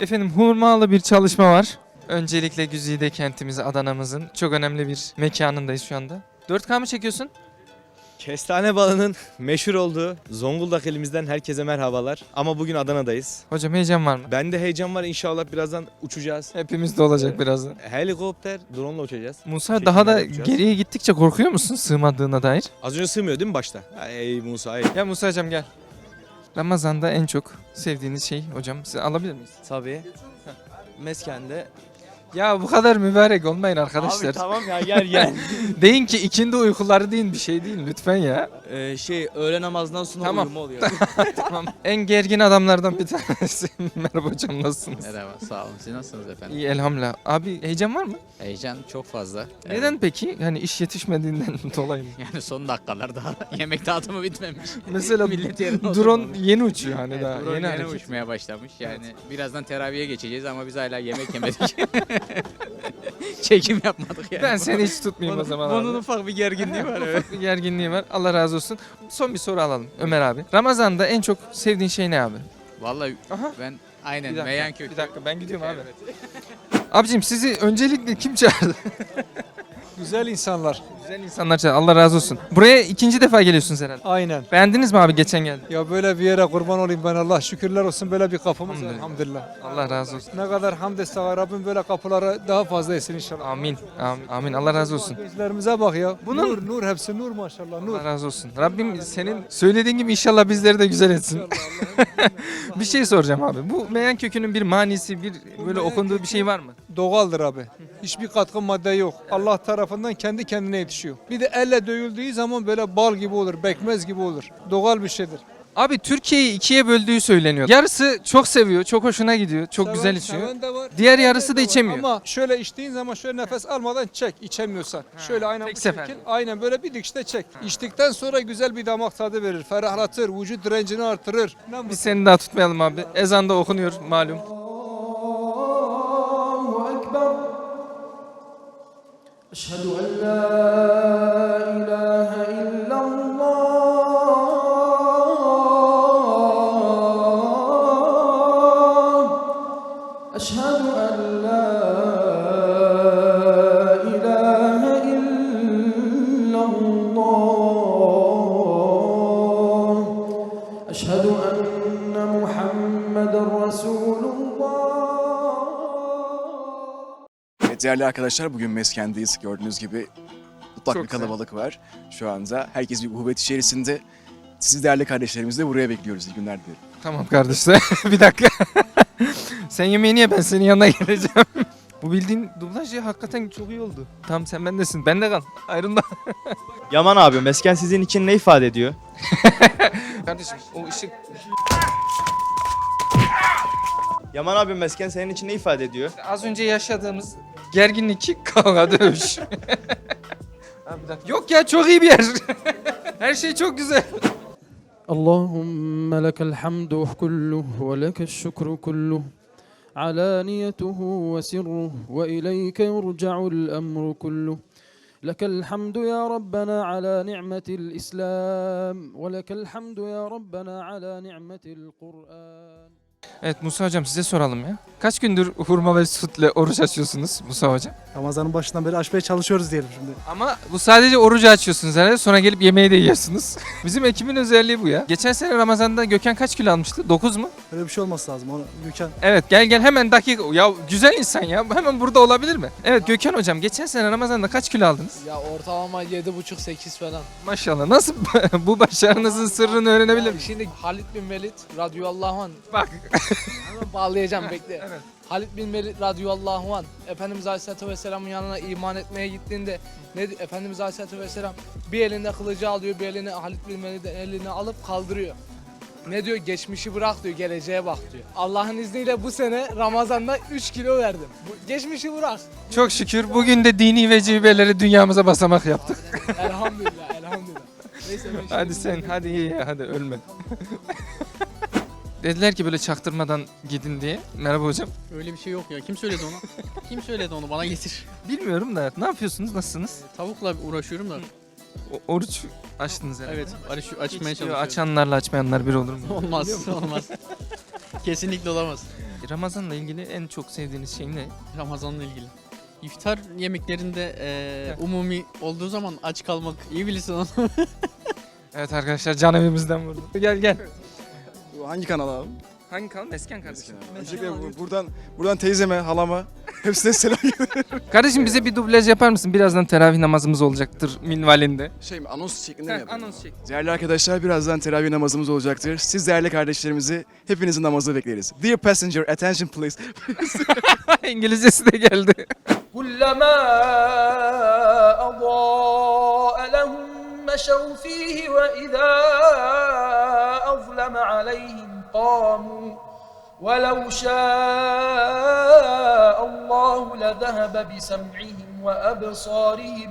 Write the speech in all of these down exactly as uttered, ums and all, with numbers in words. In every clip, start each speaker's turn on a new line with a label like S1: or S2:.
S1: Efendim hurmalı bir çalışma var. Öncelikle Güzide kentimiz Adana'mızın çok önemli bir mekanındayız şu anda. dört K mı çekiyorsun?
S2: Kestane balının meşhur olduğu Zonguldak elimizden herkese merhabalar. Ama bugün Adana'dayız.
S1: Hocam heyecan var mı?
S2: Bende heyecan var, inşallah birazdan uçacağız.
S1: Hepimiz de olacak birazdan.
S2: Helikopter, drone ile uçacağız.
S1: Musa
S2: Çekimler
S1: daha da
S2: yapacağız.
S1: geriye gittikçe korkuyor musun sığmadığına dair?
S2: Az önce sığmıyor değil mi başta? Ey Musa ey.
S1: Gel Musa'cığım gel. Ramazan'da en çok sevdiğiniz şey hocam siz alabilir miyiz?
S2: Tabii. Meskende.
S1: Ya bu kadar mübarek olmayın arkadaşlar.
S2: Abi tamam ya gel gel.
S1: Deyin ki ikindi uykuları deyin bir şey değil lütfen ya.
S2: ee, şey öğle namazından sonra
S1: Tamam.
S2: uyuma oluyor.
S1: Tamam. En gergin adamlardan bir tanesi. Merhaba hocam nasılsınız?
S3: Merhaba, sağ olun. Siz nasılsınız efendim?
S1: İyi elhamdülillah. Abi heyecan var mı?
S3: Heyecan çok fazla.
S1: Neden peki? Hani iş yetişmediğinden dolayı mı?
S3: Evet. Yani son dakikalar daha yemek dağıtımı bitmemiş.
S1: Mesela
S3: Millet yerine
S1: drone
S3: oturmamış.
S1: yeni uçuyor hani
S3: Evet,
S1: daha.
S3: drone
S1: Yeni,
S3: yeni,
S1: hareket.
S3: uçmaya başlamış. Yani birazdan teraviye geçeceğiz ama biz hala yemek yemedik. Çekim yapmadık yani.
S1: Ben seni hiç tutmayayım o zaman
S3: Bunun
S1: abi.
S3: ufak bir gerginliği var. Evet.
S1: Bir gerginliği var. Allah razı olsun. Son bir soru alalım Ömer abi. Ramazan'da en çok sevdiğin şey ne abi?
S3: Vallahi
S1: Aha.
S3: ben aynen
S1: Bir dakika,
S3: meyan kökü.
S1: bir dakika ben gidiyorum abi. Abicim sizi öncelikle kim çağırdı?
S4: Güzel insanlar.
S1: Güzel insanlar çağırdı. Allah razı olsun. Buraya ikinci defa geliyorsunuz herhalde.
S4: Aynen.
S1: Beğendiniz mi abi geçen geldi?
S4: Ya böyle bir yere kurban olayım ben, Allah şükürler olsun, böyle bir kapımız var
S1: Elhamdülillah.
S4: elhamdülillah.
S1: Allah razı olsun.
S4: Ne kadar hamd etsek Rabbim böyle kapıları daha fazla etsin inşallah.
S1: Amin. Amin. Amin. Allah razı olsun.
S4: Gençlerimize bak ya.
S1: Bunun-
S4: Nur, nur hepsi nur maşallah, nur.
S1: Allah razı olsun. Rabbim senin söylediğin gibi inşallah bizleri de güzel etsin. Bir şey soracağım abi. Bu meyan kökünün bir manisi, bir böyle okunduğu bir şey var mı?
S4: Doğaldır abi. Hiçbir katkı madde yok. Allah tarafından kendi kendine yetişiyor. Bir de elle dövüldüğü zaman böyle bal gibi olur, bekmez gibi olur. Doğal bir şeydir.
S1: Abi Türkiye'yi ikiye böldüğü söyleniyor. Yarısı çok seviyor, çok hoşuna gidiyor, çok
S4: Seven-
S1: güzel içiyor.
S4: seven de var,
S1: Diğer
S4: seven
S1: yarısı da
S4: de var.
S1: içemiyor.
S4: Ama şöyle içtiğin zaman şöyle nefes almadan çek, içemiyorsan. Şöyle aynen
S1: tek
S4: bu
S1: seferde.
S4: şekil, aynen böyle bir dikişte çek. İçtikten sonra güzel bir damak tadı verir, ferahlatır, vücut direncini artırır. Ne mutlu.
S1: Biz seni daha tutmayalım abi. Ezan da okunuyor malum.
S5: أشهد أن لا إله إلا الله أشهد أن لا إله إلا الله أشهد أن محمدا رسول الله.
S6: Evet değerli arkadaşlar, bugün Mesken'deyiz. Gördüğünüz gibi mutlak
S1: Çok
S6: bir kalabalık var şu anda. Herkes bir uhuvvet içerisinde. Sizi değerli kardeşlerimizi de buraya bekliyoruz. İyi günler dilerim.
S1: Tamam kardeşler. Bir dakika. Sen yemeğini ye ben senin yanına geleceğim. Bu bildiğin dublaj ya hakikaten çok iyi oldu. Tamam sen bendesin. Bende kal. Ayrılma.
S2: Yaman abi, mesken sizin için ne ifade ediyor?
S1: Kardeşim o ışık
S2: Yaman abi, mesken senin için ne ifade ediyor?
S1: az önce yaşadığımız gerginlik, kavga, dövüş. Abi bir dakika. Yok ya çok iyi bir yer. Her şey çok güzel.
S5: اللهم لك الحمد كله ولك الشكر كله علانيته وسره وإليك يرجع الأمر كله لك الحمد يا ربنا على نعمة الإسلام ولك الحمد يا ربنا على نعمة القرآن.
S1: Evet Musa hocam size soralım ya. Kaç gündür hurma ve sütle oruç açıyorsunuz Musa hocam?
S7: Ramazanın başından beri açmaya çalışıyoruz diyelim şimdi.
S1: Ama bu sadece orucu açıyorsunuz herhalde sonra gelip yemeği de yiyorsunuz. Bizim ekibin özelliği bu ya. Geçen sene Ramazan'da Gökhan kaç kilo almıştı? dokuz mu?
S7: Öyle bir şey olması lazım. Onu Gökhan
S1: Evet gel gel hemen dakika. Ya güzel insan ya hemen burada olabilir mi? Evet Gökhan hocam geçen sene Ramazan'da kaç kilo aldınız?
S8: Ya ortalama yedi buçuk sekiz falan.
S1: Maşallah nasıl bu başarınızın sırrını öğrenebilir
S8: Ya
S1: miyim?
S8: şimdi Halid bin Velid radıyallahu anh.
S1: Bak.
S8: Hemen bağlayacağım bekle.
S1: Evet.
S8: Halid bin Velid radıyallahu anh Efendimiz Aleyhisselatü Vesselam'ın yanına iman etmeye gittiğinde ne di- Efendimiz Aleyhisselatü Vesselam bir elinde kılıcı alıyor, bir elini Halid bin Velid'in elini alıp kaldırıyor. Ne diyor? Geçmişi bırak diyor, geleceğe bak diyor. Allah'ın izniyle bu sene Ramazan'da üç kilo verdim. Bu, geçmişi bırak.
S1: Çok şükür bugün de dini vecibeleri dünyamıza basamak yaptık.
S8: Elhamdülillah, elhamdülillah. Neyse ben
S1: Hadi
S8: şimdi-
S1: sen hadi iyi ya hadi ölme. Dediler ki böyle çaktırmadan gidin diye. Merhaba hocam.
S9: Öyle bir şey yok ya. Kim söyledi onu? Kim söyledi onu? Bana getir.
S1: Bilmiyorum da ne yapıyorsunuz? Nasılsınız?
S9: Tavukla uğraşıyorum da.
S1: O- oruç açtınız herhalde.
S9: Evet, aç, açmaya
S1: Hiç diyor,
S9: çalışıyorum.
S1: açanlarla açmayanlar bir olur mu?
S9: Olmaz, olmaz. Kesinlikle olamaz.
S1: Peki Ramazan'la ilgili en çok sevdiğiniz şey ne?
S9: Ramazan'la ilgili. İftar yemeklerinde eee,
S1: Heh.
S9: umumi olduğu zaman aç kalmak iyi bilirsin onu.
S1: Evet arkadaşlar can evimizden vurdu. Gel gel.
S6: Bu hangi kanal abi?
S1: Hangi kanal? Mesken kardeşim.
S6: Öncelikle bu- buradan buradan teyzeme, halama hepsine selam.
S1: Kardeşim bize bir dublaj yapar mısın? Birazdan teravih namazımız olacaktır minvalinde.
S6: Şey mi, anons şeklinde mi
S1: Heh,
S6: yapalım?
S1: anons çek.
S6: Değerli arkadaşlar, birazdan teravih namazımız olacaktır. Siz değerli kardeşlerimizi hepinizi namazda bekleriz. Dear passenger, attention please.
S1: İngilizcesi de geldi.
S8: كلما أضاء لهم مشوا فيه وإذا أظلم عليهم قاموا ولو شاء الله لذهب بسمعهم وأبصارهم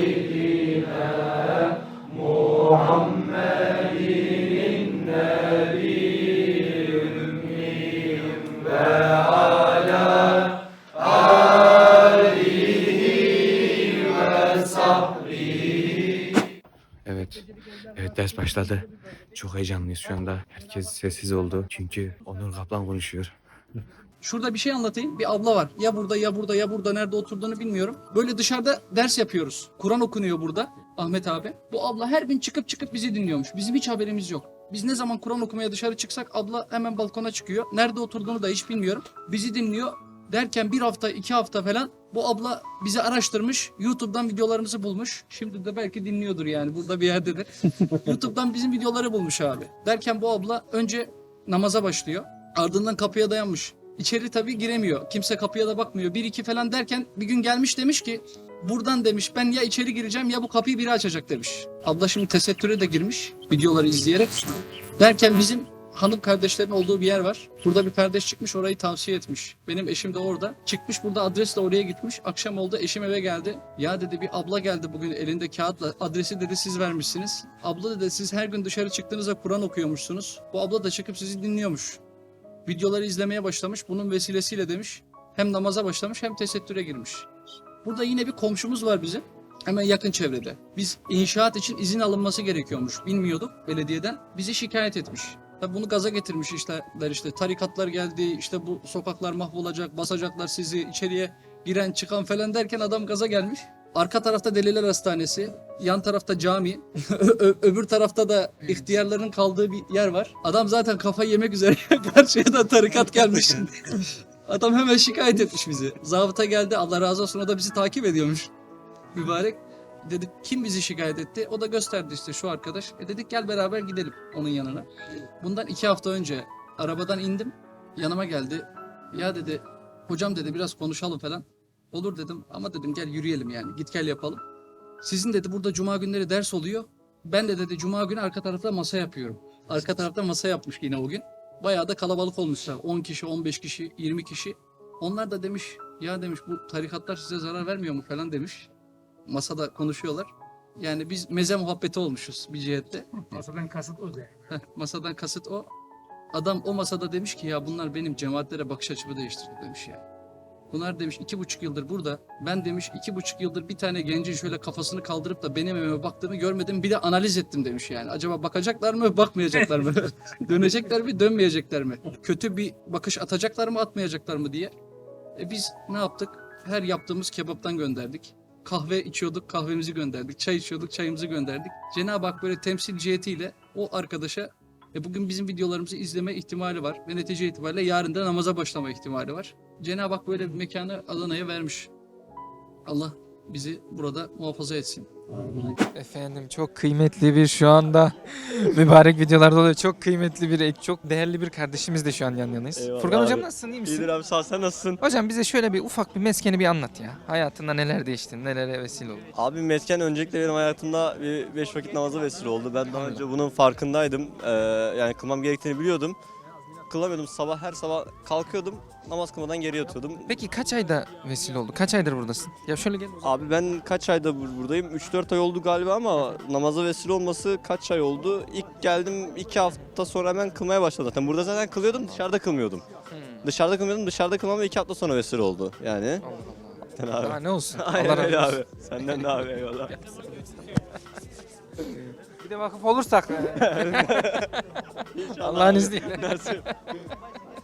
S2: Evet. Evet, ders başladı. Çok heyecanlıyız şu anda. Herkes sessiz oldu. Çünkü Onur Kaplan konuşuyor.
S10: Şurada bir şey anlatayım. Bir abla var. Ya burada ya burada ya burada nerede oturduğunu bilmiyorum. Böyle dışarıda ders yapıyoruz. Kur'an okunuyor burada Ahmet abi. Bu abla her gün çıkıp çıkıp bizi dinliyormuş. Bizim hiç haberimiz yok. Biz ne zaman Kur'an okumaya dışarı çıksak abla hemen balkona çıkıyor. Nerede oturduğunu da hiç bilmiyorum. Bizi dinliyor. Derken bir hafta iki hafta falan bu abla bizi araştırmış. YouTube'dan videolarımızı bulmuş. Şimdi de belki dinliyordur yani burada bir yerdedir. YouTube'dan bizim videoları bulmuş abi. Derken bu abla önce namaza başlıyor. Ardından kapıya dayanmış. İçeri tabii giremiyor. Kimse kapıya da bakmıyor. Bir iki falan derken bir gün gelmiş demiş ki buradan demiş ben ya içeri gireceğim ya bu kapıyı biri açacak demiş. Abla şimdi tesettüre de girmiş videoları izleyerek. Derken bizim hanım kardeşlerin olduğu bir yer var. Burada bir kardeş çıkmış orayı tavsiye etmiş. Benim eşim de orada. Çıkmış burada adresle oraya gitmiş. Akşam oldu eşim eve geldi. Ya dedi bir abla geldi bugün elinde kağıtla. Adresi dedi siz vermişsiniz. Abla dedi siz her gün dışarı çıktığınızda Kur'an okuyormuşsunuz. Bu abla da çıkıp sizi dinliyormuş. Videoları izlemeye başlamış. Bunun vesilesiyle demiş hem namaza başlamış hem tesettüre girmiş. Burada yine bir komşumuz var bizim. Hemen yakın çevrede. Biz inşaat için izin alınması gerekiyormuş. Bilmiyorduk belediyeden. Bizi şikayet etmiş. Tabii bunu gaza getirmiş işte, işte tarikatlar geldi, işte bu sokaklar mahvolacak, basacaklar sizi, içeriye giren çıkan falan derken adam gaza gelmiş. Arka tarafta Deliler Hastanesi, yan tarafta cami, ö- öbür tarafta da ihtiyarların kaldığı bir yer var. Adam zaten kafayı yemek üzere karşıya da tarikat gelmiş. Adam hemen şikayet etmiş bizi. Zabıta geldi, Allah razı olsun, o da bizi takip ediyormuş. Mübarek. Dedik kim bizi şikayet etti? O da gösterdi işte şu arkadaş. E dedik gel beraber gidelim onun yanına. Bundan iki hafta önce arabadan indim. Yanıma geldi. Ya dedi hocam dedi biraz konuşalım falan. Olur dedim ama dedim gel yürüyelim yani git gel yapalım. Sizin dedi burada cuma günleri ders oluyor. Ben de dedi cuma günü arka tarafta masa yapıyorum. Arka tarafta masa yapmış yine o gün. Bayağı da kalabalık olmuşlar. on kişi, on beş kişi, yirmi kişi. Onlar da demiş ya demiş bu tarikatlar size zarar vermiyor mu falan demiş. Masada konuşuyorlar. Yani biz meze muhabbeti olmuşuz bir cihette.
S8: Masadan kasıt o
S10: Heh, masadan kasıt o. Adam o masada demiş ki ya bunlar benim cemaatlere bakış açımı değiştirdi demiş ya. Bunlar demiş iki buçuk yıldır burada. Ben demiş iki buçuk yıldır bir tane gencin şöyle kafasını kaldırıp da benim evime baktığını görmedim. Bir de analiz ettim demiş yani. Acaba bakacaklar mı, bakmayacaklar mı? Dönecekler mi, dönmeyecekler mi? Kötü bir bakış atacaklar mı, atmayacaklar mı diye. E biz ne yaptık? Her yaptığımız kebaptan gönderdik. Kahve içiyorduk, kahvemizi gönderdik. Çay içiyorduk, çayımızı gönderdik. Cenab-ı Hak böyle temsil cihetiyle o arkadaşa e bugün bizim videolarımızı izleme ihtimali var. Ve netice itibariyle yarın da namaza başlama ihtimali var. Cenab-ı Hak böyle bir mekanı Adana'ya vermiş. Allah bizi burada muhafaza etsin.
S1: Efendim çok kıymetli bir şu anda mübarek videolarda oluyor. Çok kıymetli bir, çok değerli bir kardeşimiz de şu an yan yanayız.
S2: Eyvallah
S1: Furkan hocam
S2: abi.
S1: nasılsın, iyi misin?
S2: İyidir abi, sağ ol, sen nasılsın?
S1: Hocam bize şöyle bir ufak bir meskeni bir anlat ya. Hayatında neler değişti, nelere vesile oldu?
S11: Abi mesken öncelikle benim hayatımda bir beş vakit namaza vesile oldu. Ben daha önce bunun farkındaydım. Ee, yani kılmam gerektiğini biliyordum. Kılamıyordum. Sabah her sabah kalkıyordum. Namaz kılmadan geri yatıyordum.
S1: Peki kaç ayda vesile oldu? Kaç aydır buradasın? Ya şöyle gel.
S11: Abi ben kaç ayda bur- buradayım? üç dört ay oldu galiba ama namaza vesile olması kaç ay oldu? İlk geldim iki hafta sonra hemen kılmaya başladım zaten. Burada zaten kılıyordum, dışarıda kılmıyordum. Dışarıda kılmıyordum, dışarıda kılmam iki hafta sonra vesile oldu yani.
S1: Allah Allah. Daha ne olsun?
S11: Aynen
S1: Allah
S11: öyle
S1: razı olsun.
S11: abi. Senden de abi, eyvallah.
S1: Bir de vakıf olursak. Allah'ın izniyle.
S11: Nasip.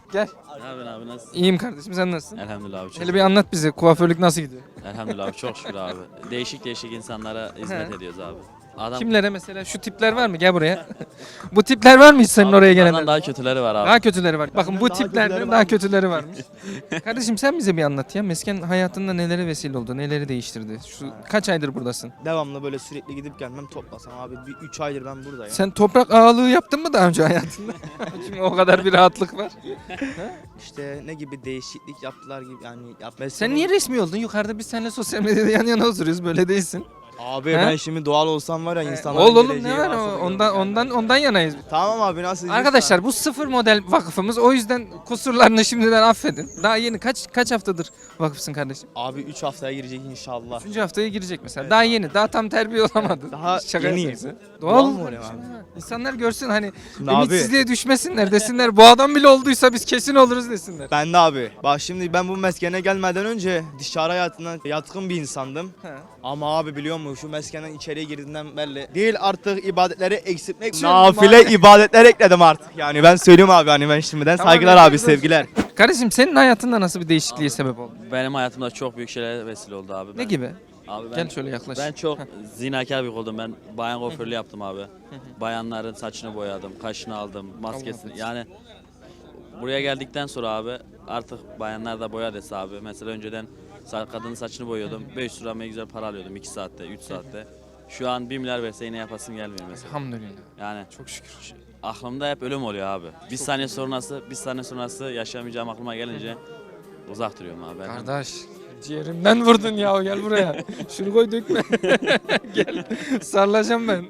S1: Gel.
S9: Ne yapıyorsun abi nasılsın?
S1: İyiyim kardeşim, sen nasılsın?
S9: Elhamdülillah abi çok.
S1: Hele bir anlat bize, kuaförlük nasıl gidiyor?
S9: Elhamdülillah abi çok şükür abi. Değişik değişik insanlara hizmet
S1: He.
S9: ediyoruz abi. Adam
S1: Kimlere mesela? Şu tipler var mı? Gel buraya. Bu tipler var mı hiç senin oraya
S9: bunlardan
S1: gelenler?
S9: daha kötüleri var abi.
S1: Daha kötüleri var. Bakın bu
S6: daha
S1: tiplerden
S6: kötüleri
S1: daha
S6: varmış.
S1: kötüleri varmış. Kardeşim sen bize bir anlat ya. Mesken hayatında nelere vesile oldu, neleri değiştirdi? Şu kaç aydır buradasın?
S12: Devamlı böyle sürekli gidip gelmem toplasam abi bir üç aydır ben buradayım.
S1: Sen toprak ağalığı yaptın mı daha önce hayatında? Şimdi o kadar bir rahatlık var.
S12: İşte ne gibi değişiklik yaptılar gibi yani yapmaya.
S1: Sen niye resmi oldun? Yukarıda biz seninle sosyal medyada yan yana oturuyoruz. Böyle değilsin.
S12: Abi
S1: He?
S12: ben şimdi doğal olsam var ya insanların
S1: Ol oğlum
S12: geleceği
S1: ne var
S12: varsa
S1: o?
S12: da
S1: Ondan
S12: görürüm
S1: ondan
S12: yani.
S1: ondan yanayız.
S12: Tamam abi nasıl
S1: Arkadaşlar bu sıfır model vakıfımız. O yüzden kusurlarını şimdiden affedin. Daha yeni kaç kaç haftadır vakıfsın kardeşim?
S12: Abi üç haftaya girecek inşallah.
S1: Üçüncü haftaya girecek mesela. Daha yeni. Daha tam terbiye olamadı.
S12: Daha
S1: Şaka
S12: yeniyim.
S1: yapıyorsun.
S12: Doğal
S1: Doğal
S12: mı
S1: mı?
S12: olayım abi?
S1: İnsanlar görsün hani
S12: Şimdi abi
S1: ümitsizliğe düşmesinler desinler. Bu adam bile olduysa biz kesin oluruz desinler.
S12: ben de abi. Bak şimdi ben bu meskene gelmeden önce dışarı hayatına yatkın bir insandım.
S1: He.
S12: Ama abi biliyor musun şu meskenden içeriye girdiğinden belli. Değil artık ibadetleri eksiltmek.
S1: Tüm
S12: Nafile
S1: ma-
S12: ibadetler ekledim artık. Yani ben söylüyorum abi hani ben şimdiden
S1: Tamam,
S12: saygılar
S1: yapıyoruz
S12: abi
S1: olsun.
S12: sevgiler.
S1: Kardeşim senin hayatında nasıl bir değişikliğe sebep oldu?
S9: Benim hayatımda çok büyük şeyler vesile oldu abi.
S1: Ne
S9: Ben-
S1: gibi?
S9: Abi ben,
S1: Gel şöyle yaklaş.
S9: ben çok zinakar bir oldum. Ben bayan kuaförlüğü yaptım abi. Bayanların saçını boyadım, kaşını aldım, maskesini.
S1: Allah
S9: Yani buraya geldikten sonra abi artık bayanlar da boya dese abi. Mesela önceden sa- kadının saçını boyuyordum. beş yüz lira ne güzel para alıyordum iki saatte, üç saatte. Şu an bir milyar verse yine yapasım gelmiyor mesela.
S1: Elhamdülillah.
S9: Yani
S1: Çok şükür.
S9: aklımda hep ölüm oluyor abi. Bir saniye sonrası, bir saniye sonrası yaşayamayacağım aklıma gelince uzak duruyorum abi. Ben
S1: Kardeş ciğerimden vurdun ya gel buraya. Şunu koy dökme. Gel sarılacağım ben.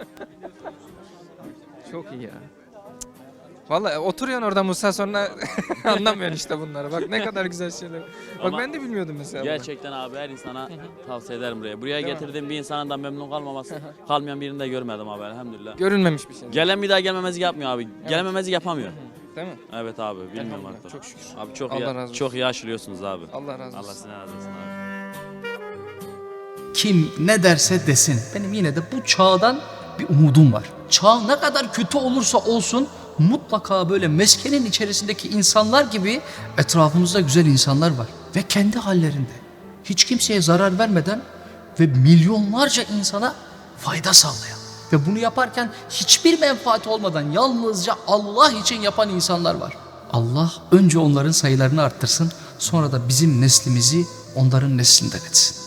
S1: Çok iyi ya. Vallahi oturuyorsun orada Musa sonra anlamıyorsun işte bunları. Bak ne kadar güzel şeyler. Bak
S9: Ama
S1: ben de bilmiyordum mesela. bunu.
S9: gerçekten abi her insana tavsiye ederim buraya. Buraya
S1: Değil mi?
S9: getirdiğim bir insanın da memnun kalmaması, kalmayan birini de görmedim abi elhamdülillah.
S1: Görünmemiş bir şey.
S9: Gelen bir daha gelmemezlik yapmıyor abi. Gelememezlik yapamıyor.
S1: Değil mi?
S9: Evet abi bilmiyorum
S1: Elhamdülillah,
S9: artık.
S1: çok şükür.
S9: Abi çok
S1: Allah
S9: iyi,
S1: razı olsun.
S9: çok iyi aşılıyorsunuz abi.
S1: Allah razı olsun.
S9: Allah sizden razı olsun abi.
S10: Kim ne derse desin. Benim yine de bu çağdan bir umudum var. Çağ ne kadar kötü olursa olsun mutlaka böyle meskenin içerisindeki insanlar gibi etrafımızda güzel insanlar var. Ve kendi hallerinde hiç kimseye zarar vermeden ve milyonlarca insana fayda sağlayan ve bunu yaparken hiçbir menfaat olmadan yalnızca Allah için yapan insanlar var. Allah önce onların sayılarını arttırsın, sonra da bizim neslimizi onların neslinden etsin.